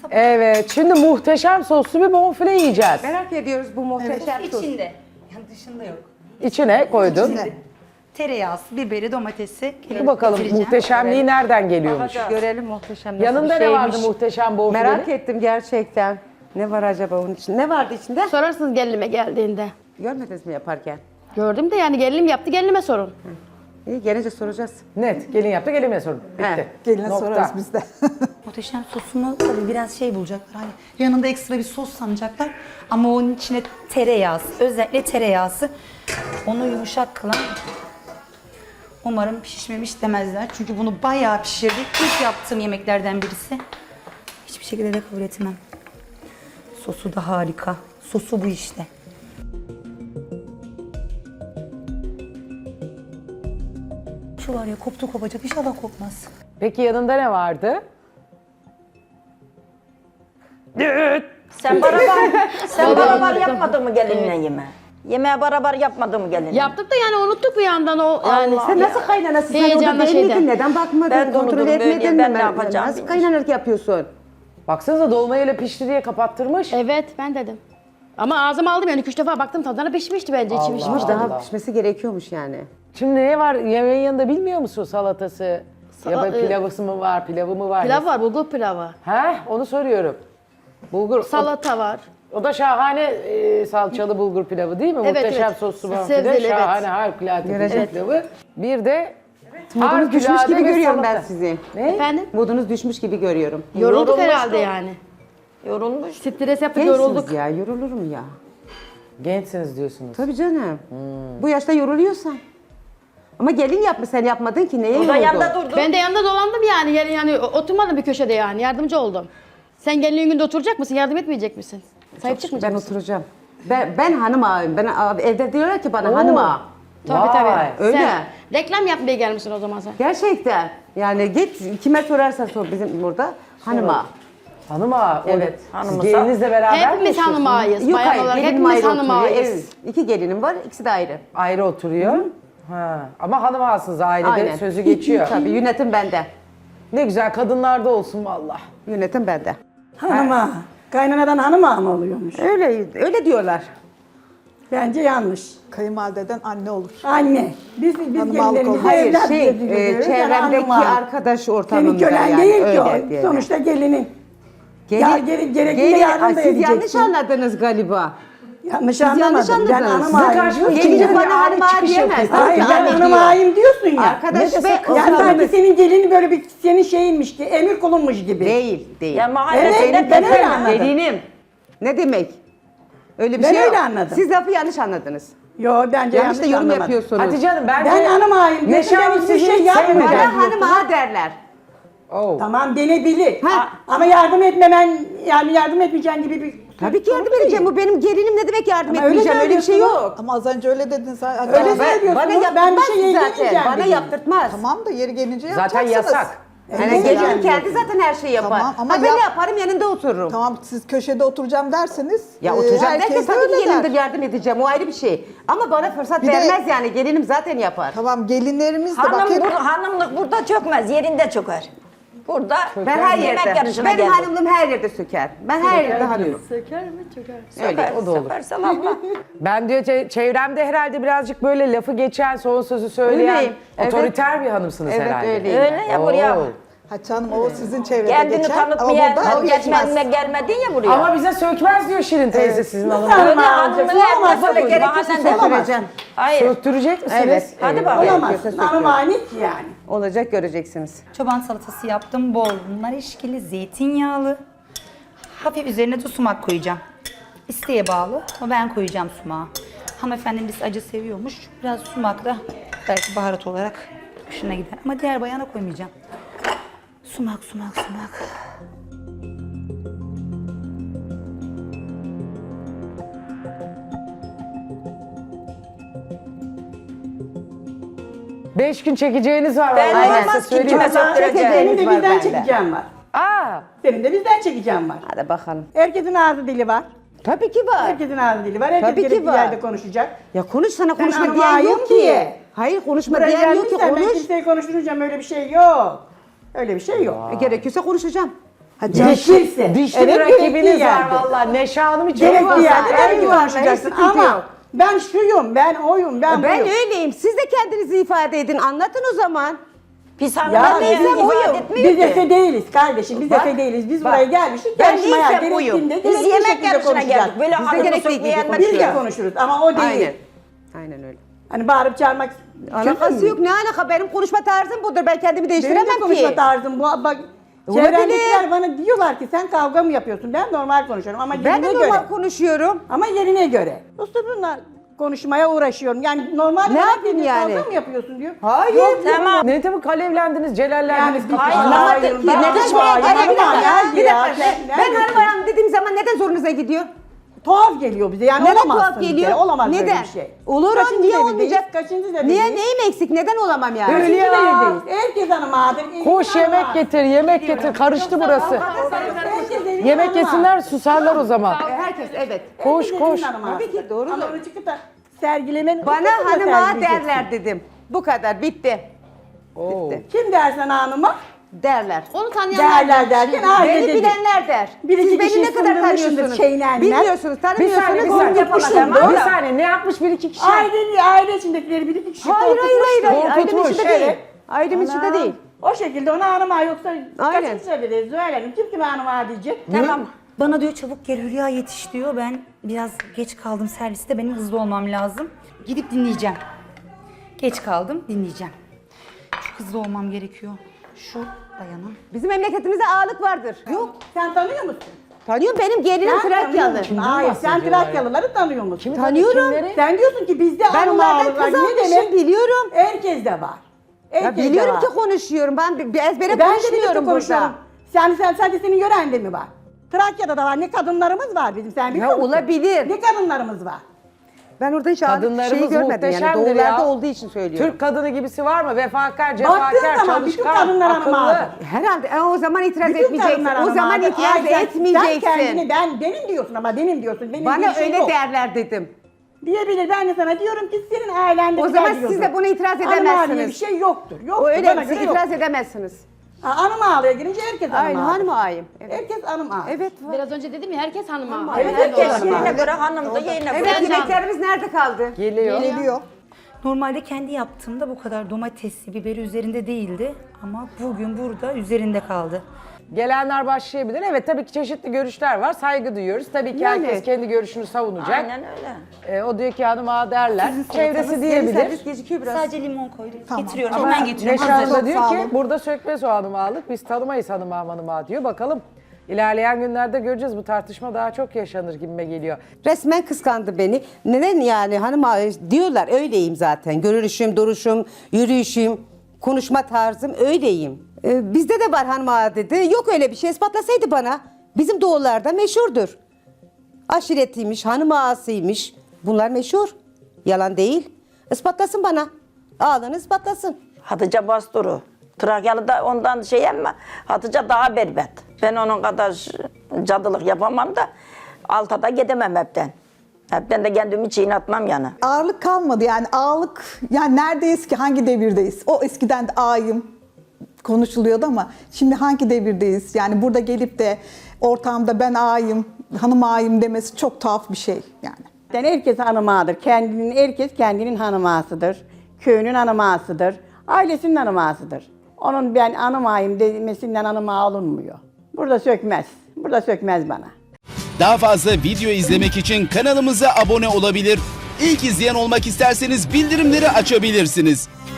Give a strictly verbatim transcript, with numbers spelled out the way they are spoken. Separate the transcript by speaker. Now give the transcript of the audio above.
Speaker 1: Evet, şimdi muhteşem soslu bir bonfile yiyeceğiz.
Speaker 2: Merak ediyoruz bu muhteşem sos.
Speaker 3: İçinde. Yani dışında yok.
Speaker 1: İçine koydun.
Speaker 3: İçinde. Tereyağısı, biberi, domatesi.
Speaker 1: Dur bakalım muhteşemliği nereden geliyormuş?
Speaker 2: Görelim muhteşem nasıl
Speaker 1: Yanında
Speaker 2: bir
Speaker 1: ne
Speaker 2: şeymiş.
Speaker 1: vardı muhteşem bonfilenin?
Speaker 2: Merak ettim gerçekten. Ne var acaba onun içinde? Ne vardı içinde?
Speaker 4: Sorarsınız gelinime geldiğinde.
Speaker 2: Görmediniz mi yaparken?
Speaker 4: Gördüm de yani gelinim yaptı, gelinime sorun.
Speaker 2: İyi gelince soracağız.
Speaker 1: Net, gelin yaptı, gelinime sorun. Bitti.
Speaker 2: He,
Speaker 5: Geline
Speaker 1: Nokta.
Speaker 5: sorarız biz de.
Speaker 3: Muhteşem sosunu tabii biraz şey bulacaklar. Hani yanında ekstra bir sos sanacaklar. Ama onun içine tereyağısı, özellikle tereyağısı onu yumuşak kılan. Umarım pişmemiş demezler. Çünkü bunu bayağı pişirdik. İlk yaptığım yemeklerden birisi. Hiçbir şekilde de kabul etmem. Sosu da harika. Sosu bu işte. Şu var ya koptu kopacak. İnşallah kopmaz.
Speaker 1: Peki yanında ne vardı?
Speaker 6: Sen beraber, sen beraber yapmadın mı gelinle yeme? Yemeğe beraber yapmadın mı gelinle?
Speaker 4: Yaptık da yani unuttuk bir yandan o yani.
Speaker 2: Sen nasıl kaynanasın? Sen orada
Speaker 4: Heyecanla
Speaker 2: değil miydin?
Speaker 4: şeyden.
Speaker 2: Neden bakmadın?
Speaker 6: Ben de
Speaker 2: Kontrol
Speaker 6: unuttum, böyle
Speaker 2: etmedin mi?
Speaker 6: ben ne yapacağım
Speaker 2: Nasıl
Speaker 6: bilmiyorum.
Speaker 2: kaynanalık yapıyorsun?
Speaker 1: Baksanıza dolma öyle pişti diye kapattırmış.
Speaker 4: Evet ben dedim. Ama ağzıma aldım yani iki üç defa baktım tadına pişmişti bence içi pişmiş.
Speaker 2: Daha
Speaker 1: Allah.
Speaker 2: pişmesi gerekiyormuş yani.
Speaker 1: Şimdi ne var yemeğin yanında bilmiyor musun salatası? ya
Speaker 4: Sala-
Speaker 1: da pilavısı mı var, pilavı mı var?
Speaker 4: Pilav var, bulgur pilavı.
Speaker 1: He, onu soruyorum. Bulgur.
Speaker 4: Salata var.
Speaker 1: O, o da şahane e, salçalı bulgur pilavı değil mi?
Speaker 4: Evet,
Speaker 1: Muhteşem
Speaker 4: evet.
Speaker 1: soslu bonfile.
Speaker 4: Sebzeli, evet.
Speaker 1: Şahane, harikulade bulgur
Speaker 2: Evet.
Speaker 1: pilavı. Bir de
Speaker 2: Modunuz düşmüş
Speaker 1: harikulade
Speaker 2: gibi
Speaker 1: bir
Speaker 2: görüyorum ben
Speaker 1: salata.
Speaker 2: sizi.
Speaker 1: Ne?
Speaker 4: Efendim?
Speaker 2: Modunuz düşmüş gibi görüyorum.
Speaker 4: Yorulduk
Speaker 6: Yorulmuştum.
Speaker 4: herhalde yani.
Speaker 6: Yorulmuş.
Speaker 4: Stres yaptık yorulduk.
Speaker 2: Gençsiniz ya, yorulur mu ya?
Speaker 1: Gençsiniz diyorsunuz.
Speaker 2: Tabii canım. Bu yaşta yoruluyorsan. Ama gelin yapmış, sen yapmadın ki neye
Speaker 6: O da
Speaker 2: yoruldun?
Speaker 6: yanında durdu.
Speaker 4: Ben de yanında dolandım yani. yani yani oturmadım bir köşede yani yardımcı oldum. Sen gelinin günde oturacak mısın? Yardım etmeyecek misin? Sahip çıkmayacak
Speaker 2: Ben
Speaker 4: mısın?
Speaker 2: oturacağım. Ben, ben hanım ağayım. Ben a- evde diyorlar ki bana hanım ağa.
Speaker 4: Tabii
Speaker 1: Vay.
Speaker 4: tabii.
Speaker 2: Öyle.
Speaker 4: Sen reklam yapmaya gelmişsin o zaman sen.
Speaker 2: Gerçekten. Yani git kime sorarsan sor bizim burada hanım ağa.
Speaker 1: Hanım ağa. o-
Speaker 2: Evet.
Speaker 1: Siz
Speaker 6: Hanımı
Speaker 1: gelinizle beraber mi
Speaker 4: Hepimiz
Speaker 1: yaşıyorsunuz?
Speaker 4: hanım ağayız.
Speaker 2: Yok
Speaker 4: Bayan
Speaker 2: hayır,
Speaker 4: olarak
Speaker 2: gelinim
Speaker 4: hepimiz
Speaker 2: ayrı
Speaker 4: hanım
Speaker 2: oturuyor.
Speaker 4: ağayız.
Speaker 2: Evet. İki gelinim var, ikisi de ayrı.
Speaker 1: Ayrı oturuyor. Ha. Ama hanım ağasınız ailede
Speaker 2: Aynen.
Speaker 1: sözü geçiyor.
Speaker 2: Tabii yönetim bende.
Speaker 1: Ne güzel kadınlarda olsun valla.
Speaker 2: Yönetim bende.
Speaker 5: Hanıma. Kaynanadan hanıma mı oluyormuş?
Speaker 2: Öyle öyle diyorlar.
Speaker 5: Bence yanlış.
Speaker 7: Kayınvalideden anne olur.
Speaker 5: Anne. Biz biz
Speaker 7: Hanımalık
Speaker 5: gelinlerimize
Speaker 7: olmaz.
Speaker 2: Hayır
Speaker 5: evlat
Speaker 2: şey
Speaker 5: diye
Speaker 2: e,
Speaker 5: diyoruz.
Speaker 2: çevremdeki
Speaker 5: Yani hanıma.
Speaker 2: arkadaş
Speaker 5: Senin
Speaker 2: ortamında
Speaker 5: kölen
Speaker 2: yani
Speaker 5: değil ki
Speaker 2: öyle
Speaker 5: o.
Speaker 2: diye.
Speaker 5: Sonuçta gelinin.
Speaker 2: Gelin,
Speaker 5: Ya, gere- gerekli
Speaker 2: gelin-
Speaker 5: yardım
Speaker 2: Ay,
Speaker 5: da
Speaker 2: siz yanlış
Speaker 5: edeceksin.
Speaker 2: anladınız galiba.
Speaker 5: Yanlış
Speaker 2: yanlış
Speaker 5: anlamadım. Ben
Speaker 2: anladınız.
Speaker 5: hanım
Speaker 2: Sizin
Speaker 5: ağayım.
Speaker 1: karşınızda
Speaker 5: diyorsun
Speaker 2: Gelince
Speaker 5: ya.
Speaker 1: bir
Speaker 2: bana
Speaker 1: aile
Speaker 2: hanım ağa
Speaker 1: çıkış
Speaker 2: diyemez.
Speaker 1: yapıyor.
Speaker 5: Hayır
Speaker 2: Ben
Speaker 5: ben
Speaker 2: de
Speaker 5: hanım
Speaker 2: diyor.
Speaker 5: ağayım diyorsun ya.
Speaker 2: Arkadaş
Speaker 1: Ne
Speaker 2: ve
Speaker 1: desek
Speaker 2: o
Speaker 5: Yani
Speaker 2: zaman-
Speaker 5: sanki senin gelini böyle bir senin şeyinmiş ki emir kulunmuş gibi.
Speaker 2: Değil, değil.
Speaker 6: Ya mahallede
Speaker 5: Evet,
Speaker 6: senin
Speaker 5: ben öyle
Speaker 6: tepen-
Speaker 5: anladım.
Speaker 2: Gelinim. Ne demek? Öyle bir
Speaker 5: Ben
Speaker 2: şey yok.
Speaker 5: öyle anladım.
Speaker 2: Siz lafı yanlış anladınız.
Speaker 5: Yo bence
Speaker 2: Yanlış
Speaker 5: yanlış,
Speaker 2: da yorum
Speaker 5: anlamadım.
Speaker 2: yapıyorsunuz.
Speaker 1: Hatice Hanım bence...
Speaker 5: Ben hanım ağayım.
Speaker 1: Neşe
Speaker 5: diyorsun,
Speaker 1: Hanım
Speaker 5: ben hiçbir
Speaker 1: sizi
Speaker 5: şey
Speaker 1: hiç
Speaker 5: yapmıyorum.
Speaker 1: sevmedi.
Speaker 2: Bana hanım ağa derler.
Speaker 1: Oh.
Speaker 5: Tamam denebilir.
Speaker 2: Ha.
Speaker 5: Ama yardım etmemen yani yardım etmeyeceğin gibi bir
Speaker 2: Tabii ki yardım edeceğim. Bu benim gelinim ne demek yardım
Speaker 5: Ama öyle
Speaker 2: etmeyeceğim? Öyle bir şey
Speaker 5: söylüyorsun.
Speaker 2: yok.
Speaker 7: Ama az önce öyle dedin sen.
Speaker 5: Öyle
Speaker 7: Tamam,
Speaker 5: söyle- söylüyorsunuz,
Speaker 2: Bana
Speaker 5: ben bir
Speaker 2: yaptırmaz
Speaker 5: şeye
Speaker 2: zaten.
Speaker 5: gelmeyeceğim
Speaker 2: Bana
Speaker 5: dedim.
Speaker 2: yaptırtmaz.
Speaker 7: Tamam da yeri gelince
Speaker 1: Zaten
Speaker 7: yapacaksınız.
Speaker 1: yasak.
Speaker 2: Yani
Speaker 5: Evet,
Speaker 2: gelinim
Speaker 5: yani.
Speaker 2: kendi zaten her şeyi yapar.
Speaker 7: Tamam, ama
Speaker 2: ha ben
Speaker 7: yap-
Speaker 2: yaparım yanında otururum.
Speaker 7: Tamam siz köşede oturacağım derseniz.
Speaker 2: Ya
Speaker 7: e,
Speaker 2: oturacağım
Speaker 7: herkes
Speaker 2: derken
Speaker 7: de
Speaker 2: tabii
Speaker 7: öyle
Speaker 2: ki yanında
Speaker 7: der.
Speaker 2: yardım edeceğim. O ayrı bir şey. Ama bana fırsat
Speaker 7: Bir de-
Speaker 2: vermez yani. Gelinim zaten yapar.
Speaker 7: Tamam gelinlerimiz de bak
Speaker 6: Hanım,
Speaker 7: hep
Speaker 6: bur- hanımlık burada çökmez, yerinde çöker. Burada
Speaker 2: Ben her
Speaker 6: yemek
Speaker 2: yerde.
Speaker 6: yarışına
Speaker 2: Benim
Speaker 6: geldim.
Speaker 2: hanımlığım her yerde söker. Ben her yerde hanımım.
Speaker 4: Söker mi çöker?
Speaker 2: Öyle.
Speaker 1: o da olur.
Speaker 6: Sökerse lafla.
Speaker 1: Ben diyor çe- çevremde herhalde birazcık böyle lafı geçen, son sözü söyleyen
Speaker 2: Öyleyim, evet.
Speaker 1: otoriter bir hanımsınız
Speaker 2: Evet,
Speaker 1: herhalde.
Speaker 2: öyleyim.
Speaker 6: Öyle ya buraya.
Speaker 1: Oo.
Speaker 7: Hatice Hanım o sizin çevrede
Speaker 6: Kendini
Speaker 7: geçer. Ama
Speaker 6: tanıtmaya
Speaker 7: burada o geçmez.
Speaker 6: geçmedin gelmedin ya buraya.
Speaker 1: Ama bize sökmez diyor Şirin teyze sizin hanımlar.
Speaker 5: Nasıl
Speaker 6: Öyle
Speaker 5: hanım
Speaker 6: hanımlığı
Speaker 5: ağayacaksın?
Speaker 6: yapma
Speaker 5: Olamaz,
Speaker 6: böyle
Speaker 5: tabii.
Speaker 6: gerekirse
Speaker 5: Bazen
Speaker 2: söküleceğim.
Speaker 6: Hayır.
Speaker 1: Söktürecek misiniz?
Speaker 2: Evet.
Speaker 6: Hadi
Speaker 2: evet.
Speaker 6: bakalım.
Speaker 5: Olamaz.
Speaker 2: Gerekirse
Speaker 5: Hanım
Speaker 2: söküyorum.
Speaker 5: ani ki yani.
Speaker 2: Olacak göreceksiniz.
Speaker 3: Çoban salatası yaptım. Bol nar eşkili, zeytinyağlı. Hafif üzerine de sumak koyacağım. İsteğe bağlı ama ben koyacağım sumağı. Hanımefendimiz acı seviyormuş. Biraz sumak da belki baharat olarak hoşuna gider. Ama diğer bayana koymayacağım. Sumak, sumak, sumak.
Speaker 1: Beş gün çekeceğiniz var.
Speaker 6: Ben
Speaker 1: vallahi
Speaker 6: olmaz
Speaker 1: size
Speaker 6: ki,
Speaker 1: söyleyeyim.
Speaker 6: kime söktüreceğim?
Speaker 5: Senin de
Speaker 2: var
Speaker 5: bizden
Speaker 2: bende.
Speaker 5: çekeceğim var.
Speaker 1: Aa,
Speaker 5: Senin de bizden çekeceğim var.
Speaker 2: Hadi bakalım.
Speaker 5: Herkesin ağzı dili var.
Speaker 2: Tabii ki var.
Speaker 5: Herkesin ağzı dili var. Herkes
Speaker 2: Tabii ki
Speaker 5: gerekli
Speaker 2: var.
Speaker 5: yerde konuşacak.
Speaker 2: Ya konuş sana konuşma
Speaker 5: hanım
Speaker 2: diyen
Speaker 5: ağayım
Speaker 2: yok
Speaker 5: ki.
Speaker 2: ki. Hayır konuşma
Speaker 5: Buraya
Speaker 2: diyen yok ki
Speaker 5: gelmişsen ben
Speaker 2: konuş.
Speaker 5: kimseyi konuşturacağım öyle bir şey yok. Öyle bir şey yok.
Speaker 2: E, gerekirse konuşacağım.
Speaker 5: Gerekirse.
Speaker 1: Dişli
Speaker 5: Evet,
Speaker 1: bir rakibiniz
Speaker 5: gerektiği
Speaker 1: var
Speaker 5: yerde.
Speaker 1: valla. Neşe Hanım hiç
Speaker 5: Gerektiği
Speaker 1: olmaz.
Speaker 5: yerde tabii ki
Speaker 2: Eyvallah,
Speaker 5: konuşacaksın
Speaker 2: hiç sıkıntı
Speaker 5: ama
Speaker 2: yok.
Speaker 5: ben şuyum, ben oyum, ben,
Speaker 2: Ben
Speaker 5: buyum.
Speaker 2: öyleyim. Siz de kendinizi ifade edin. Anlatın o zaman.
Speaker 6: Pis
Speaker 5: Ya
Speaker 6: hanımlar
Speaker 5: biz,
Speaker 6: neysem
Speaker 5: biz,
Speaker 6: oyum.
Speaker 5: biz Efe değiliz kardeşim, biz
Speaker 1: Bak,
Speaker 5: Efe değiliz. Biz
Speaker 1: bak.
Speaker 5: buraya gelmiştik,
Speaker 2: Ben
Speaker 5: yarışmaya
Speaker 2: neysem oyum.
Speaker 5: gerektiğinde
Speaker 6: Biz
Speaker 5: gerekli
Speaker 6: yemek
Speaker 5: şekilde
Speaker 6: yarışına
Speaker 5: konuşacağız.
Speaker 6: geldik. Böyle
Speaker 2: Biz de
Speaker 6: hanımı
Speaker 2: gerekli
Speaker 6: sokmaya
Speaker 2: gibi
Speaker 6: gelmedik.
Speaker 5: Biz de
Speaker 2: konuşuyoruz.
Speaker 5: konuşuruz ama o değil.
Speaker 2: Aynen. Aynen öyle.
Speaker 5: Hani bağırıp çağırmak
Speaker 2: Alakası yok. Ne alaka? Benim konuşma tarzım budur. Ben kendimi
Speaker 5: Benim
Speaker 2: değiştiremem
Speaker 5: de konuşma
Speaker 2: ki.
Speaker 5: tarzım bu. Bak
Speaker 2: Olabilir.
Speaker 5: çevrendekiler bana diyorlar ki sen kavga mı yapıyorsun? Ben normal konuşuyorum ama
Speaker 2: Ben
Speaker 5: yerine
Speaker 2: de
Speaker 5: göre.
Speaker 2: normal konuşuyorum.
Speaker 5: Ama yerine göre. Uslubunla konuşmaya uğraşıyorum. Yani normal
Speaker 2: Ne
Speaker 5: bana
Speaker 2: yapayım
Speaker 5: dedi,
Speaker 2: yani?
Speaker 5: Kavga mı yapıyorsun diyor.
Speaker 2: Hayır.
Speaker 5: Yok,
Speaker 6: Tamam.
Speaker 1: Ne tabii kalevlendiniz, celallendiniz.
Speaker 5: Yani
Speaker 6: Hayır,
Speaker 5: anlamadım ki.
Speaker 2: Neden
Speaker 5: Neden
Speaker 2: şuraya
Speaker 5: bağırıyor?
Speaker 2: gelin? Bir
Speaker 5: Hanım
Speaker 2: dakika.
Speaker 5: geldi
Speaker 2: Bir
Speaker 5: ya.
Speaker 2: dakika.
Speaker 5: Sen
Speaker 2: Ben
Speaker 5: neredesin?
Speaker 2: hanım ayağım dediğim zaman neden zorunuza gidiyor?
Speaker 5: Tuhaf geliyor bize. Yani
Speaker 2: Neden
Speaker 5: olamazsın
Speaker 2: tuhaf
Speaker 5: bir
Speaker 2: geliyor?
Speaker 5: kere, Olamaz
Speaker 2: Neden?
Speaker 5: böyle bir şey.
Speaker 2: Olurum.
Speaker 5: Kaçıncı
Speaker 2: Niye
Speaker 5: devirdeyiz?
Speaker 2: olmayacak?
Speaker 5: Kaçıncı devirdeyiz?
Speaker 2: Niye? Neyim eksik? Neden olamam yani?
Speaker 5: Kaçıncı
Speaker 1: Hülya!
Speaker 5: devirdeyiz? Herkes hanımadır.
Speaker 1: Koş yemek getir, yemek getir. Karıştı burası. Yemek yesinler, susarlar o zaman.
Speaker 2: Herkes evet.
Speaker 1: Koş koş.
Speaker 2: Tabii ki, doğru.
Speaker 5: Ama onu çıkıp da sergilemen...
Speaker 2: Bana
Speaker 5: utanma
Speaker 2: hanıma
Speaker 5: sergileyeceksin.
Speaker 2: derler dedim. Bu kadar. Bitti.
Speaker 1: Oo.
Speaker 5: Kim dersen hanıma?
Speaker 2: Derler.
Speaker 4: Onu tanıyanlar.
Speaker 5: Derler derken aile
Speaker 2: Beni
Speaker 5: dedi.
Speaker 2: bilenler der.
Speaker 5: Bir iki
Speaker 2: Siz beni
Speaker 5: kişi
Speaker 2: ne kadar
Speaker 5: sındırmışsındır
Speaker 2: tanıyorsunuz?
Speaker 5: şeylerle.
Speaker 2: Bilmiyorsunuz,
Speaker 1: Bir
Speaker 2: tanımıyorsunuz.
Speaker 1: saniye, bir
Speaker 2: onu
Speaker 1: saniye.
Speaker 2: yapamadım.
Speaker 1: Bir
Speaker 2: Doğru.
Speaker 1: saniye, ne yapmış bir iki kişi?
Speaker 5: Aile, aile içindekileri bir iki kişi
Speaker 2: Hayır hayır hayır. hayır. Ailemin
Speaker 1: Korkutmuş,
Speaker 2: içinde değil.
Speaker 5: evet.
Speaker 2: Ailemin içinde
Speaker 5: Ana.
Speaker 2: değil.
Speaker 5: O şekilde ona hanıma yoksa
Speaker 2: Aynen.
Speaker 5: kaçıncı söyledi Zuhal Hanım? Kim kime hanıma diyecek?
Speaker 3: Tamam. Bana diyor çabuk gel Hülya yetiş diyor. Ben biraz geç kaldım serviste. Benim hızlı olmam lazım. Gidip dinleyeceğim. Geç kaldım dinleyeceğim. Çok hızlı olmam gerekiyor. Şu dayana.
Speaker 2: Bizim memleketimizde ağalık vardır. Yok.
Speaker 5: Sen tanıyor musun?
Speaker 2: Tanıyorum, benim gelinim
Speaker 5: Sen
Speaker 2: Trakyalı.
Speaker 5: tanıyor musun? Hayır sen
Speaker 1: bahsediyorlar ya?
Speaker 5: Trakyalıları tanıyor musun?
Speaker 2: Tanıyorum.
Speaker 5: Sen diyorsun ki bizde
Speaker 2: Ben
Speaker 5: hanıma
Speaker 2: onlardan
Speaker 5: ağırlar.
Speaker 2: kız
Speaker 5: Ne
Speaker 2: almışım,
Speaker 5: demek?
Speaker 2: biliyorum.
Speaker 5: Herkes de var. Herkes
Speaker 2: Ya
Speaker 5: de
Speaker 2: biliyorum
Speaker 5: var.
Speaker 2: ki konuşuyorum. Ben bir bir ezbere
Speaker 5: E ben de birlikte
Speaker 2: konuşmuyorum
Speaker 5: konuşuyorum.
Speaker 2: burada.
Speaker 5: Sen, sen sadece senin yörende mi var? Trakya'da da var. Ne kadınlarımız var bizim. Sen biliyor
Speaker 2: Ya
Speaker 5: musun?
Speaker 2: olabilir.
Speaker 5: Ne kadınlarımız var?
Speaker 2: Ben orada hiç ağalık
Speaker 1: Kadınlarımız
Speaker 2: şeyi görmedim yani.
Speaker 1: muhteşemdir
Speaker 2: Doğularda
Speaker 1: ya.
Speaker 2: olduğu için söylüyorum.
Speaker 1: Türk kadını gibisi var mı? Vefakar,
Speaker 5: Baktığın
Speaker 1: cefakar,
Speaker 5: zaman bütün
Speaker 1: çalışkan,
Speaker 5: kadınlar hanım
Speaker 1: akıllı.
Speaker 5: ağır.
Speaker 2: Herhalde e, o zaman itiraz
Speaker 5: Bütün
Speaker 2: etmeyeceksin.
Speaker 5: kadınlar
Speaker 2: O
Speaker 5: hanım
Speaker 2: zaman
Speaker 5: ağır.
Speaker 2: itiraz
Speaker 5: Ay, sen-
Speaker 2: etmeyeceksin.
Speaker 5: Sen kendini ben, benim diyorsun ama benim diyorsun. Benim
Speaker 2: Bana
Speaker 5: bir şey
Speaker 2: öyle
Speaker 5: yok.
Speaker 2: derler dedim.
Speaker 5: Diyebilir. Ben de sana diyorum ki senin ailende
Speaker 2: O
Speaker 5: güzel
Speaker 2: zaman siz
Speaker 5: diyordur.
Speaker 2: de buna itiraz
Speaker 5: Hanım ağır diye
Speaker 2: edemezsiniz.
Speaker 5: bir şey yoktur. Yoktur.
Speaker 2: O öyle
Speaker 5: Bana
Speaker 2: siz
Speaker 5: göre yok.
Speaker 2: itiraz edemezsiniz.
Speaker 5: Ha, hanım ağlıya girince herkes hanım
Speaker 2: Aynen
Speaker 5: ağır.
Speaker 2: hanım ağayım. Evet.
Speaker 5: Herkes hanım ağır.
Speaker 2: Evet. var.
Speaker 4: Biraz önce dedim ya herkes hanıma.
Speaker 5: Evet,
Speaker 6: Herkes
Speaker 5: herkes
Speaker 6: yerine
Speaker 5: hanım
Speaker 6: göre hanımdı, yerine
Speaker 2: Evet,
Speaker 6: göre.
Speaker 2: yemeklerimiz nerede kaldı?
Speaker 1: Geliyor.
Speaker 7: Geliyor.
Speaker 3: Normalde kendi yaptığımda bu kadar domatesli, biberi üzerinde değildi. Ama bugün burada üzerinde kaldı.
Speaker 1: Gelenler başlayabilir. Evet tabii ki çeşitli görüşler var. Saygı duyuyoruz. Tabii ki
Speaker 2: Yani.
Speaker 1: herkes kendi görüşünü savunacak.
Speaker 6: Aynen öyle.
Speaker 1: Ee, o diyor ki hanım ağa derler. Çevresi diyebilir.
Speaker 2: Servis gecikiyor biraz.
Speaker 3: Sadece limon koydum.
Speaker 7: Tamam.
Speaker 3: Getiriyorum.
Speaker 1: Ama
Speaker 3: Hemen getiriyorum.
Speaker 1: Neşe Hanım
Speaker 3: Hazır.
Speaker 1: da diyor
Speaker 7: Sağ
Speaker 1: ki
Speaker 7: olun.
Speaker 1: burada sökmez o hanım ağalık. Biz tanımayız hanım ağa hanım ağa diyor. Bakalım ilerleyen günlerde göreceğiz. Bu tartışma daha çok yaşanır gibime geliyor.
Speaker 2: Resmen kıskandı beni. Neden yani hanım ağa diyorlar öyleyim zaten. Görünüşüm, duruşum, yürüyüşüm, konuşma tarzım öyleyim. Ee, bizde de var hanım ağa dedi. Yok öyle bir şey ispatlasaydı bana. Bizim doğularda meşhurdur. Aşiretiymiş, hanım ağasıymış. Bunlar meşhur. Yalan değil. Ispatlasın bana. Ağlanı ispatlasın.
Speaker 6: Hatice Basturu. Trakyalı da ondan şey ama Hatice daha berbat. Ben onun kadar cadılık yapamam da alta da gidemem hepten. Hepten de kendimi çiğnetmem yani.
Speaker 7: Ağırlık kalmadı yani ağırlık yani neredeyiz ki hangi devirdeyiz? O eskiden de ağayım konuşuluyordu ama şimdi hangi devirdeyiz? Yani burada gelip de ortamda ben ağayım, hanım ağayım demesi çok tuhaf bir şey yani.
Speaker 5: Yani herkes hanım ağadır. Kendinin, herkes kendinin hanım ağasıdır. Köyünün hanım ağasıdır. Ailesinin hanım ağasıdır. Onun ben hanım ağayım demesinden hanım ağa olunmuyor. Burada sökmez. Burada sökmez bana.
Speaker 8: Daha fazla video izlemek için kanalımıza abone olabilir. İlk izleyen olmak isterseniz bildirimleri açabilirsiniz.